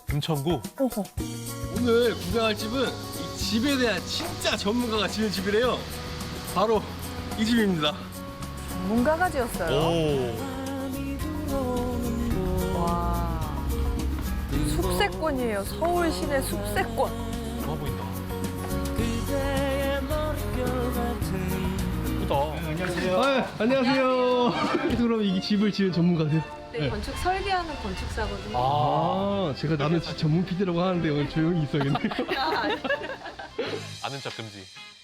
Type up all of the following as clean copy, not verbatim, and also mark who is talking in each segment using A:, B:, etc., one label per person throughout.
A: 금천구?
B: 어허.
C: 오늘 구경할 집은 이 집에 대한 진짜 전문가가 지은 집이래요. 바로 이 집입니다.
B: 전문가가 지었어요.
A: 오.
B: 와. 숲세권이에요. 서울 시내 숲세권.
A: 좋아 보인다. 예쁘다.
C: 안녕하세요. 그럼 이 집을 지은 전문가세요?
D: 네, 건축 설계하는 건축사거든요.
A: 아.
C: 제가 나는 전문 PD라고 하는데 오늘 조용히 있어야겠네요.
A: 아는 척 금지.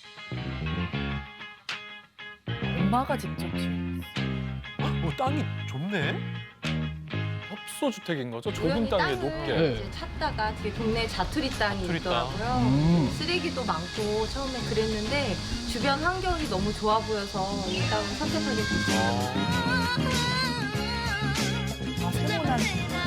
B: 엄마가 직접 지은.
A: 오, 땅이 좁네? 협소주택인 거죠? 좁은
D: 우연히
A: 땅 위에
D: 땅을
A: 높게.
C: 네.
D: 이제 찾다가 뒤에 동네 자투리 땅이
A: 자투리 땅.
D: 있더라고요. 쓰레기도 많고 처음에 그랬는데 주변 환경이 너무 좋아 보여서 이 땅을 선택하게 됐어요.
B: 아, 세모난.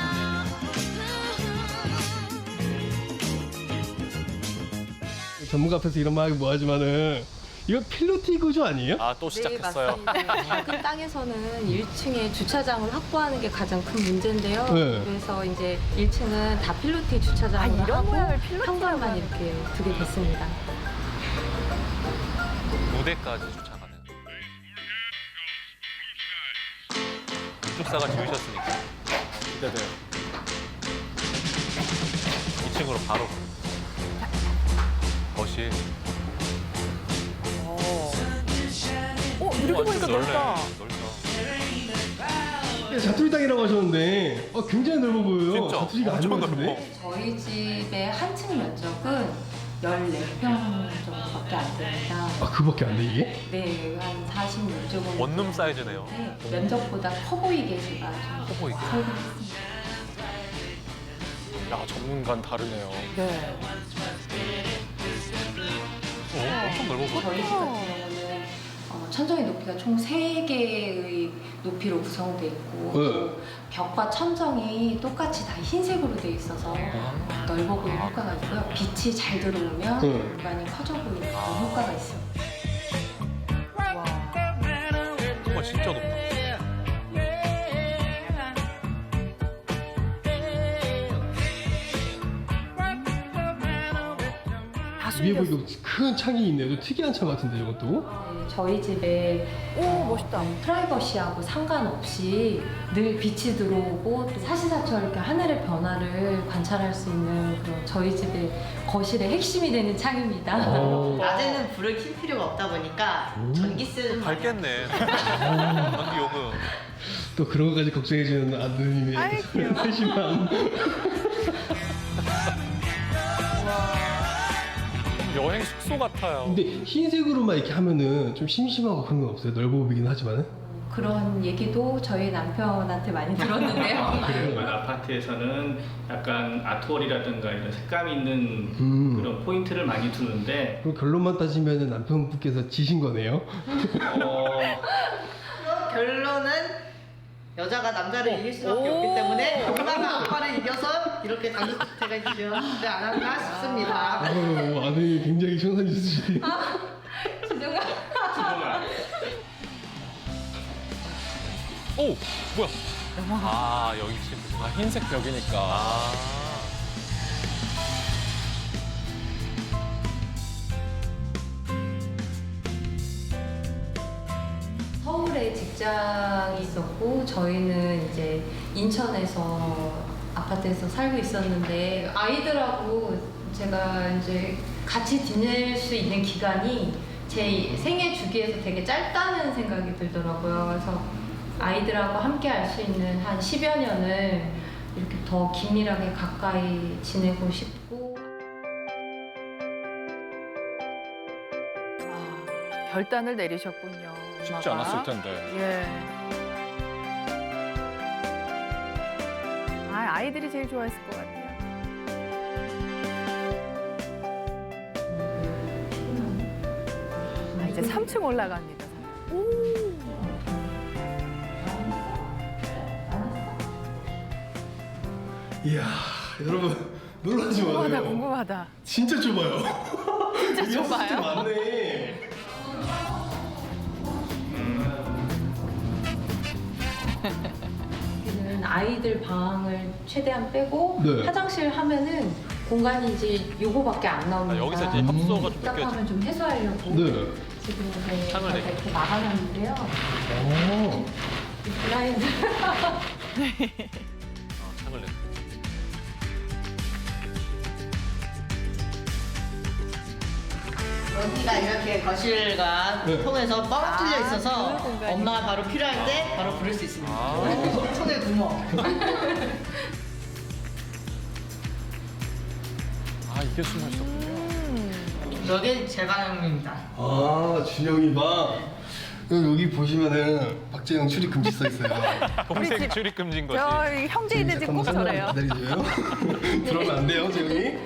C: 전문가 앞에서 이런 말 하기 뭐하지만은 이거 필로티 구조 아니에요?
A: 아, 또 시작했어요.
D: 네, 맞습니다. 작은 땅에서는 1층에 주차장을 확보하는 게 가장 큰 문제인데요.
C: 네.
D: 그래서 이제 1층은 다 필로티 주차장을
B: 아, 이런
D: 하고
B: 모양을 필로티라고
D: 현관만
B: 하는
D: 이렇게 두게 됐습니다.
A: 무대까지 주차가는. 건축사가 지으셨으니까. 기대돼요. 2층으로 바로. 거실.
B: 이렇게 보니까
A: 넓네.
B: 넓다.
A: 넓다.
C: 자투리 땅이라고 하셨는데 굉장히 넓어 보여요.
A: 진짜
C: 자투리가 아닌
A: 엄청
C: 것
A: 넓어.
C: 같은데?
D: 저희 집의 한 층 면적은 14평 정도밖에 안 됩니다.
C: 그밖에 안 돼 이게?
D: 네, 한 46제곱.
A: 원룸 사이즈네요.
D: 네, 면적보다 커 보이게 제가 좀
A: 커 보이게.
D: 설계했습니다.
A: 야, 전문가는 다르네요.
B: 네.
A: 엄청 넓어 보여.
D: 저희 집 같은 경우는 천정의 높이가 총 3개의 높이로 구성되어 있고 또 벽과 천정이 똑같이 다 흰색으로 되어 있어서 넓어 보이는 효과가 있고요. 빛이 잘 들어오면 공간이 커져 보이는 그런 효과가 있습니다.
A: 정말 진짜 높다.
B: 다
C: 위에
B: 숨겼어.
C: 보니까 큰 창이 있네요. 좀 특이한 창 같은데 이것도?
D: 네, 저희 집에
B: 오, 멋있다.
D: 프라이버시하고 상관없이 늘 빛이 들어오고 또 사시사철 이렇게 하늘의 변화를 관찰할 수 있는 그런 저희 집의 거실의 핵심이 되는 창입니다.
E: 낮에는 불을 켤 필요가 없다 보니까 전기세는 많이
A: 밝겠네. 전기 요금.
C: 또 그런 것까지 걱정해주는 아드님의
B: 아이, 귀여워.
C: 세심함.
A: 여행 숙소 같아요.
C: 근데 흰색으로만 이렇게 하면은 좀 심심하고 그런 건 없어요? 넓어 보이긴 하지만은.
D: 그런 얘기도 저희 남편한테 많이 들었는데요.
F: 일반 아파트에서는 약간 아트월이라든가 이런 색감 있는 그런 포인트를 많이 두는데
C: 그럼 결론만 따지면은 남편분께서 지신 거네요?
E: 결론은 여자가 남자를 이길 수밖에 없기 때문에 엄마가 아빠를 이겨서 이렇게 단독주택을 지었지 않았나 싶습니다.
C: 아드님이 굉장히 청산 있으시네요.
D: 진정아.
A: 오! 뭐야? 아, 여기 지금. 아, 흰색 벽이니까. 아.
D: 서울에 직장이 있었고 저희는 이제 인천에서 아파트에서 살고 있었는데 아이들하고 제가 이제 같이 지낼 수 있는 기간이 제 생애 주기에서 되게 짧다는 생각이 들더라고요. 그래서 아이들하고 함께 할 수 있는 한 10여 년을 이렇게 더 긴밀하게 가까이 지내고 싶고
B: 결단을 내리셨군요.
A: 쉽지
B: 엄마가.
A: 않았을 텐데.
B: 예. 아이들이 제일 좋아했을 것 같아요. 이제 3층 올라갑니다.
C: 이야, 여러분 놀라지
B: 궁금하다,
C: 마세요.
B: 궁금하다.
C: 진짜 좁아요.
B: 진짜 좁아요?
C: 많네.
D: 여기는 아이들 방을 최대한 빼고
C: 네.
D: 화장실 하면은 공간이 이제 요거밖에 안 나옵니다.
A: 여기서 이제 협소가 좀 느껴져.
D: 답답하면 좀 해소하려고
C: 네.
D: 지금 네,
A: 창을
D: 저희가 이렇게 막아놨는데요.
C: 오.
D: 이 블라인드
A: 창을 내.
E: 여기가 이렇게 거실과
C: 네.
E: 통해서 뻥 뚫려 있어서
B: 그 공간이.
E: 엄마가 바로 필요할 때 바로 부를 수 있습니다.
A: 아.
E: 손에 구멍.
A: 아 이게 숨어 있었군요.
E: 여기 제 방입니다.
C: 아, 준영이 방. 여기 보시면은 박재영 출입 금지 써 있어요.
A: 동생
B: 집-
A: 출입 금지인 거지.
B: 저 형제인데 지금 꼭 저래요.
C: 기다려줘요. 들어오면 안 돼요, 재영이.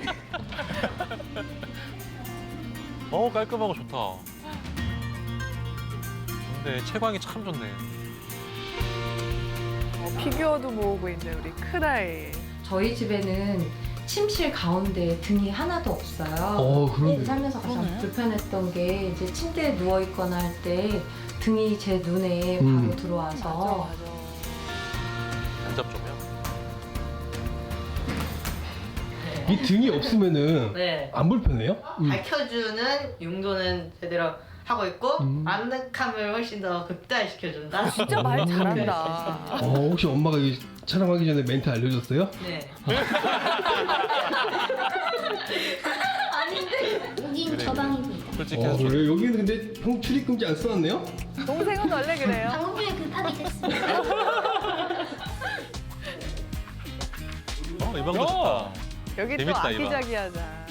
A: 깔끔하고 좋다. 근데 채광이 참 좋네.
B: 피규어도 모으고 있네 우리 큰아이.
D: 저희 집에는 침실 가운데 등이 하나도 없어요.
C: 그러네.
D: 살면서 가장 불편했던 게 이제 침대에 누워 있거나 할 때 등이 제 눈에 바로 들어와서
A: 간접 조명.
C: 이 등이 없으면은
E: 네.
C: 안 불편해요?
E: 밝혀주는 용도는 제대로 하고 있고 아늑함을 훨씬 더 극대화시켜준다.
B: 진짜 말 잘한다.
C: 혹시 엄마가 이 촬영하기 전에 멘트 알려줬어요?
E: 네.
G: 여긴 저 방입니다.
A: 솔직히 해서
C: 그래? 여기는 근데 형 출입 금지 안 써놨네요?
B: 동생은 원래 그래요.
G: 방금 전에 급하게 됐습니다.
A: 이 방도 좋다.
B: 여기 또
A: 재밌다, 이 방.
B: 아기자기하자.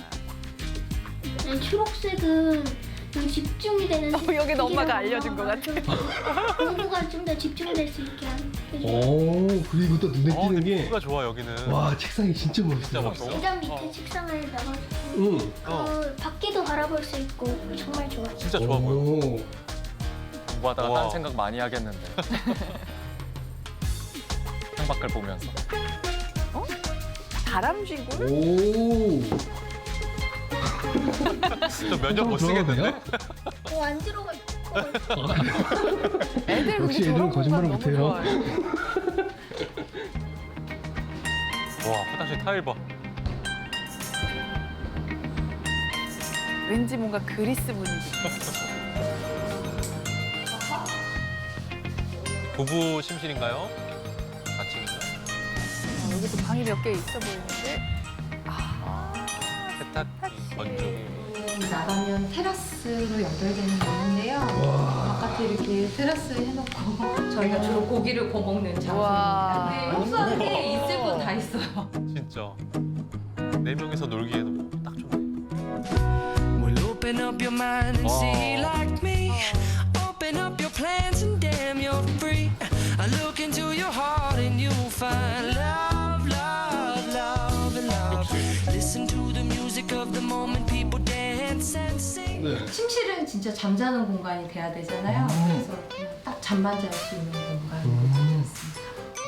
G: 초록색은 좀 집중이 되는
B: 여긴 엄마가
G: 색이라서
B: 알려준 것 같아.
G: 공부가 좀 더 집중될 수 있게 해줘요.
C: 그리고 또 눈에 띄는 게
A: 가 좋아 여기는.
C: 와, 책상이 진짜 멋있어요.
A: 진짜 멋있어.
G: 계단 밑에 책상을 넣어서
C: 응.
G: 그 밖에도 바라볼 수 있고 정말 좋아요.
A: 진짜 좋아 보여.
H: 공부하다가
A: 우와.
H: 딴 생각 많이 하겠는데. 창밖을 보면서.
B: 다람쥐굴?
C: 오.
A: 저 면접 못 쓰겠는데?
G: 안 들어갈
B: 애들 근데
C: 역시
B: 저런
C: 애들은 거짓말을
B: 공간 너무
C: 못해요.
B: 좋아해요.
A: 와 화장실 타일 봐.
B: 왠지 뭔가 그리스 분위기.
A: 부부 침실인가요? 4층인가?
B: 여기도 방이 몇 개 있어 보이는데.
A: 세탁기, 건조기.
D: 나가면 테라스로 연결되는 게 있는데요. 바깥에 이렇게 테라스 해놓고 저희가 주로 고기를 구워 먹는
B: 우와.
D: 장소입니다. 네, 흡수하는 게 있을 건 다 있어요.
A: 진짜. 4명이서 놀기에는 뭐딱 좋네.
I: Well, open up your mind and see like me. Open up your plans and damn, you're free. I look into your heart and you'll find love, love, love, and love. Listen to the music of the moment, people dance and sing.
C: 네.
D: 침실은 진짜 잠자는 공간이 돼야 되잖아요. 그래서 그냥 딱 잠만 잘 수 있는 공간으로 찾아왔습니다.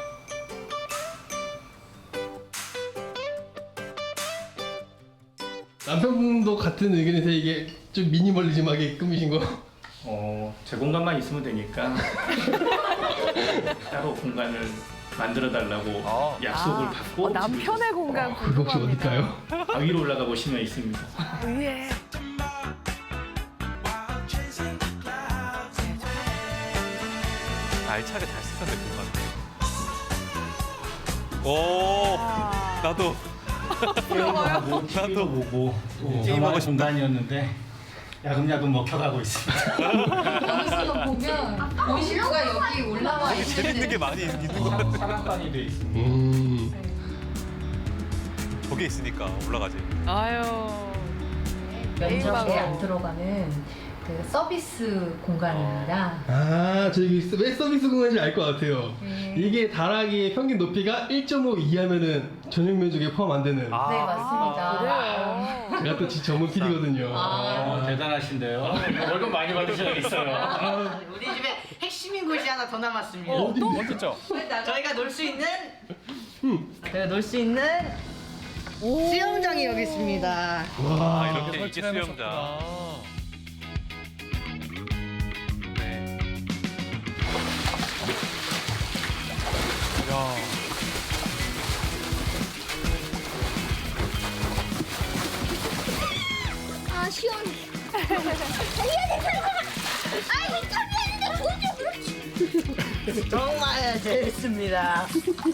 C: 남편분도 같은 의견이세요? 이게 좀 미니멀리즘하게 꾸미신 거?
F: 제 공간만 있으면 되니까 따로 공간을 만들어 달라고 약속을 받고
B: 남편의 공간
C: 그게 혹시
B: 궁금합니다.
C: 어딜까요?
F: 위로 올라가 보시면 있습니다.
B: 위에.
A: 알차게 잘 쓰셨네 공간. 오 나도.
F: TV도 보고
A: 게임하고 싶다.
F: 공간이었는데 야금야금 먹혀가고 있습니다.
D: 여기서 보면 본식구가 여기 올라와
A: 재밌는 게 많이 있는 것 같아.
F: 사랑방이 돼 있습니다.
A: 저게 있으니까 올라가지.
B: 아유.
D: 면적에 안 들어가는 그 서비스 공간입니다.
C: 저기 왜 서비스 공간인지 알 것 같아요. 이게 다락의 평균 높이가 1.5 이하면은 전용 면적에 포함 안 되는.
D: 네, 맞습니다.
B: 그래요.
C: 제가 또 전문 PD거든요.
F: 대단하신데요. 월급 많이 받으셔야겠어요.
E: 우리 집에 핵심인 곳이 하나 더 남았습니다.
H: 어딨죠?
E: 저희가 놀 수 있는 저희가 놀 수 있는 수영장이 여기 있습니다.
A: 아 이렇게 이게 수영장. 네. 야
E: 정말 재밌습니다.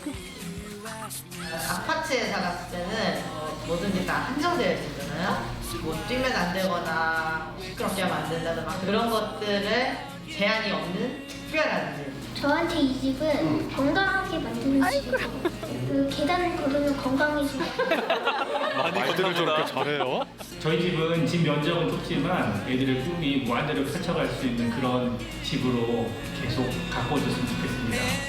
E: 아파트에 살았을 때는 뭐든지 다 한정되어 있었잖아요. 뭐 뛰면 안 되거나 시끄럽게 하면 안 된다든 막 그런 것들을 제한이 없는 특별한 집.
G: 저한테 이 집은 건강하게 만드는 집이에요. 그 계단을 걸으면 건강해지고.
H: 말들을 저렇게 잘해요?
F: 저희 집은 집 면적은 좁지만 애들의 꿈이 무한대로 펼쳐갈 수 있는 그런 집으로 계속 가꿔줬으면 좋겠습니다.